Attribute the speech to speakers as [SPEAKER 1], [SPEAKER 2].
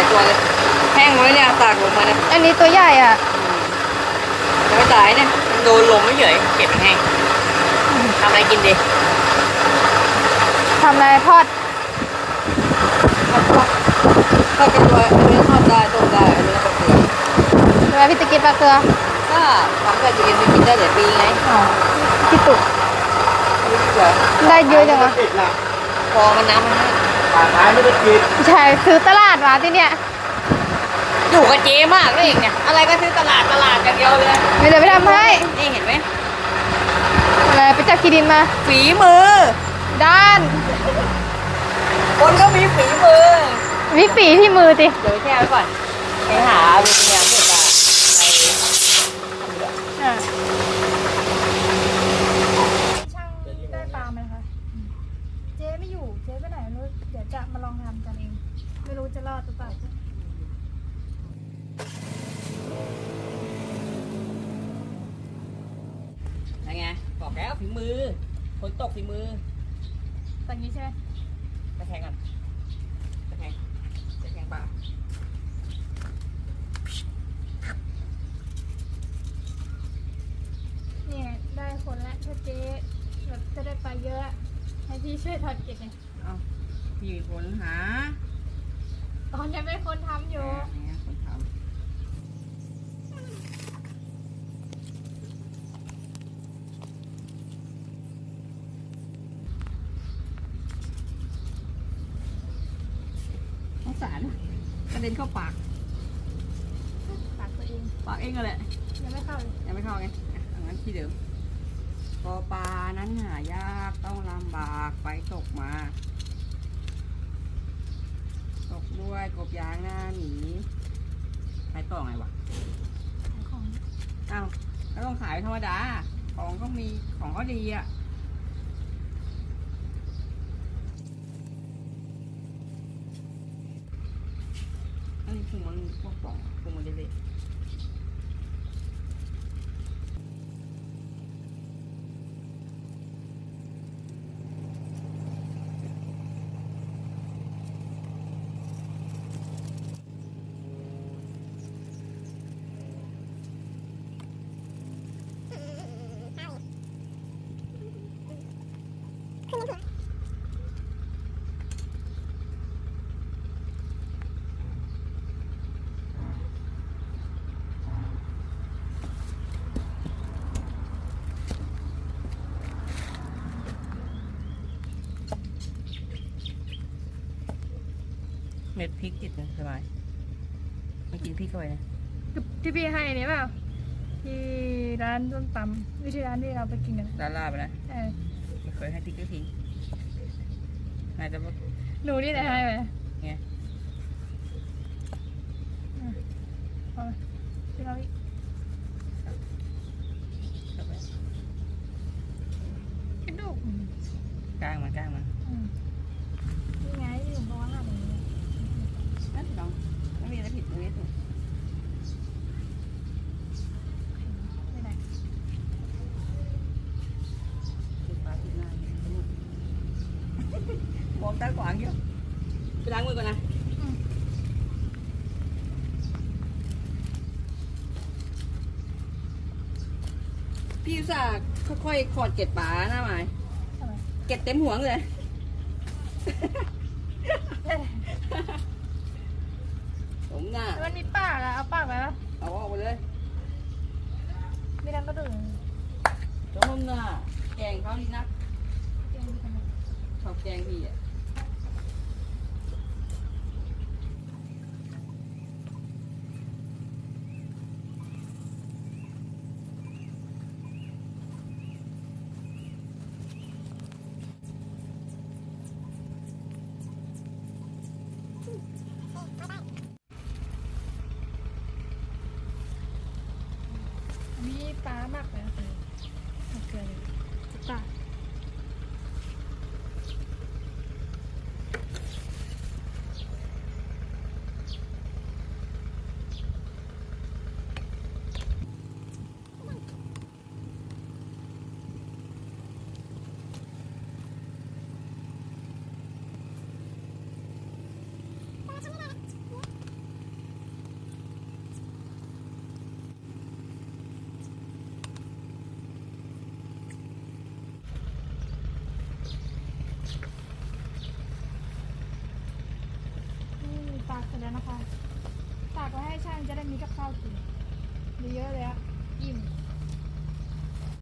[SPEAKER 1] ตัวเลยแห้งหมดเลยเนี่ยตากลงมาเนี่ย
[SPEAKER 2] อันนี้ตัวใหญ่อ่ะ
[SPEAKER 1] จะไม่ตายเนี่ยมันโดนลมไม่เฉยเก็บแห้งทำอะไรกินดี
[SPEAKER 2] ทำอะไรทอด
[SPEAKER 1] ทอดกระตัวอันนี้ทอดได้ต้มได้อันนี้ก็เกลือ
[SPEAKER 2] ทำไมพี่จะกินปลาเกลือ
[SPEAKER 1] ก็ทำแบบจะกินไปกินได้หลายปีไง
[SPEAKER 2] อ๋อพี่ตุก
[SPEAKER 1] เกลือ
[SPEAKER 2] ได้เยอะจังวะ
[SPEAKER 3] ปิดละ
[SPEAKER 1] พอมันน้ำมันให้
[SPEAKER 3] ป่าท้ายไม่ได้ปิด
[SPEAKER 2] ใช่ซื้อตลาดมาที่เนี่ย
[SPEAKER 1] อยู่กับเจ๊มากเลยเองเนี่ยอะไรก็ซื้อตลาดอย่างเดียวเลย
[SPEAKER 2] ไม่ได้ไปทำให้
[SPEAKER 1] นี่เห็นไหม
[SPEAKER 2] อะไรไปจับขี้ดินมา
[SPEAKER 1] ฝีมือ
[SPEAKER 2] ด้าน
[SPEAKER 1] คนก็มีฝีมือ
[SPEAKER 2] วิฝีที่มือติ
[SPEAKER 1] เดี๋ยวไปแช่ไว้ก่อนไปหาวิญญาณเพื่อจะไปทำเรือ
[SPEAKER 2] อ่า
[SPEAKER 4] ช่างได้ปลาไหมคะเจ๊ไม่อยู่ เจ๊ไปไหนไม่รู้เดี๋ยวจะมาลองทำกันเอง ไม่รู้จะรอดหรือเปล่า
[SPEAKER 1] ยังไงบอกแล้วฝีมือคนตกฝีมือ
[SPEAKER 4] ตอนนี้ใช่ไหม
[SPEAKER 1] ตะแคงกันตะแคงปลา
[SPEAKER 4] เนี่ยได้คนแล้วถ้าเจ๊แบบจะได้ปลาเยอะ ให้พี่ช่วยทอดเก็บไง
[SPEAKER 1] เอาพี่เป็นคนหา
[SPEAKER 4] ตอนยังเป็นคนทำอยู่
[SPEAKER 1] เนี่ยคนทำสงสารกระเด็นเข้าปาก
[SPEAKER 4] ปากตัวเอง
[SPEAKER 1] ปากเองก็แหละ
[SPEAKER 4] ยังไม่เข้าเลย
[SPEAKER 1] ยังไม่เข้าไงอันนั้นที่เดิมปอปลานั้นหายากต้องลำบากไปตกมา ตกด้วยกบยางหน้าหนีไปต่อไงวะ
[SPEAKER 4] ขายของ
[SPEAKER 1] อ้าวก็ต้องขายธรรมดา ของก็มีของก็ดีอ่ะ อันนี้พุงมันพวกป่องพุงมันเละเม็ดพริกติดนะสบายไม่กินพริกเข้าไปนะ
[SPEAKER 4] ที่พี่ให้เนี่ยเปล่าที่ร้านส้มตำวิธีร้านที่เราไปกินกัน
[SPEAKER 1] ลาลาไปนะ
[SPEAKER 4] เออ
[SPEAKER 1] ไม่เคยให้พริกสักทีน่าจะว่า
[SPEAKER 4] หนูนี่ไหนให้ไป
[SPEAKER 1] ไง
[SPEAKER 4] เอาไปที่เราอีก
[SPEAKER 1] เข้าไป
[SPEAKER 4] กระดูก
[SPEAKER 1] กลางมัน
[SPEAKER 4] นี่ไงที่หนูบอกว่าหั่นอย่างนี้
[SPEAKER 1] นั่นลองไม่มีอะไรผิดตรงนี้ถูก
[SPEAKER 4] ไม่ได้
[SPEAKER 1] ติดปลาติดหน้ามองตาขวางเยอะไปล้างมือก่อนนะพี่อุตส่าห์ค่อยๆขอดเกล็ดปลาหน้าหมาย
[SPEAKER 4] ทำไม
[SPEAKER 1] เกล็ดเต็มหัวเลย ผมน่ะ
[SPEAKER 4] มันมีปากอะเอาปากไปแล้ว
[SPEAKER 1] เอาออกไปเลย
[SPEAKER 4] มีดังกระดูก
[SPEAKER 1] จมน่ะแกงเขาดีนักชอบแกงพี่อ่ะ
[SPEAKER 4] มีปลามากเลยนะมันเกินเลยปลานะคะตากไว้ให้ช่างจะได้มีกับข้าวกินเยอะๆเลยอะอิ่ม